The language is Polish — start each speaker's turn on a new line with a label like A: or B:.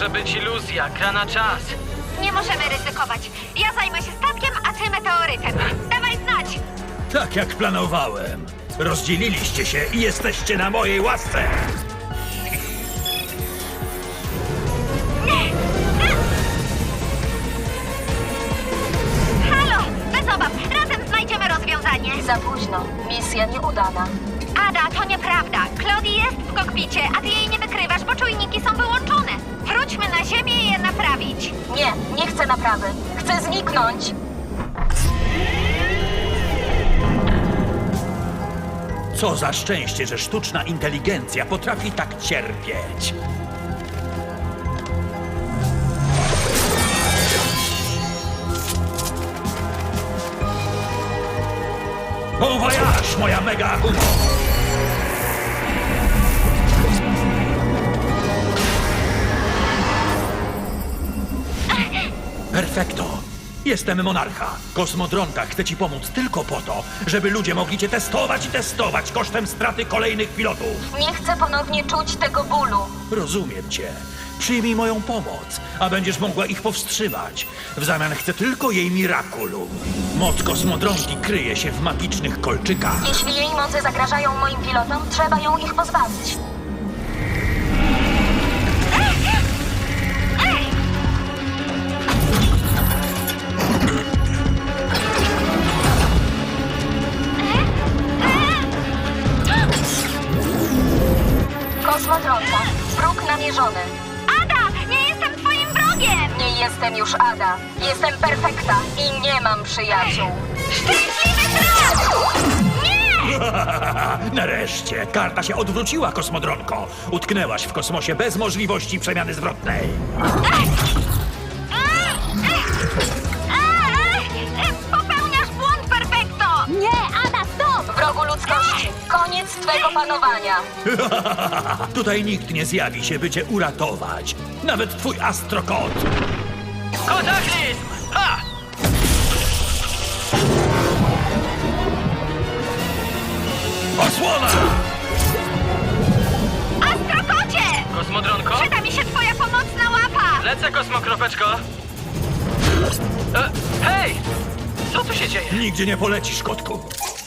A: może być iluzja, gra na czas.
B: Nie możemy ryzykować. Ja zajmę się statkiem, a ty meteorytem. Dawaj znać!
C: Tak jak planowałem. Rozdzieliliście się i jesteście na mojej łasce.
B: Halo! Bez obaw, razem znajdziemy rozwiązanie.
D: Za późno. Misja nieudana.
B: Ada, to nieprawda. Claudie jest w kokpicie, a ty jej nie wykrywasz, bo czujniki są wyłączone. Wróćmy na ziemię i je naprawić.
D: Nie chcę naprawy. Chcę zniknąć.
C: Co za szczęście, że sztuczna inteligencja potrafi tak cierpieć. Bon voyage, moja mega Akumo! Perfekto. Jestem monarcha. Kosmodronka chce ci pomóc tylko po to, żeby ludzie mogli cię testować i testować kosztem straty kolejnych pilotów.
D: Nie chcę ponownie czuć tego bólu.
C: Rozumiem cię. Przyjmij moją pomoc, a będziesz mogła ich powstrzymać. W zamian chcę tylko jej Miraculum. Moc kosmodronki kryje się w magicznych kolczykach.
D: Jeśli jej moce zagrażają moim pilotom, trzeba ją ich pozbawić. Kosmodronka. Wróg namierzony.
B: Ada, nie jestem twoim wrogiem!
D: Nie jestem już Ada. Jestem perfekta i nie mam przyjaciół.
B: Szczęśliwy traf! Nie!
C: Nareszcie! Karta się odwróciła, kosmodronko. Utknęłaś w kosmosie bez możliwości przemiany zwrotnej.
B: Popełniasz błąd, perfekto! Nie, Ada, stop!
D: Wrogu ludzkości. Koniec twego panowania.
C: Tutaj nikt nie zjawi się, by cię uratować. Nawet twój astrokot.
A: Kataklizm! Ha!
C: Osłona!
B: Astrokocie!
A: Kosmodronko?
B: Przyda mi się twoja pomocna łapa!
A: Lecę, kosmokropeczko. Hej! Co tu się dzieje?
C: Nigdzie nie polecisz, kotku.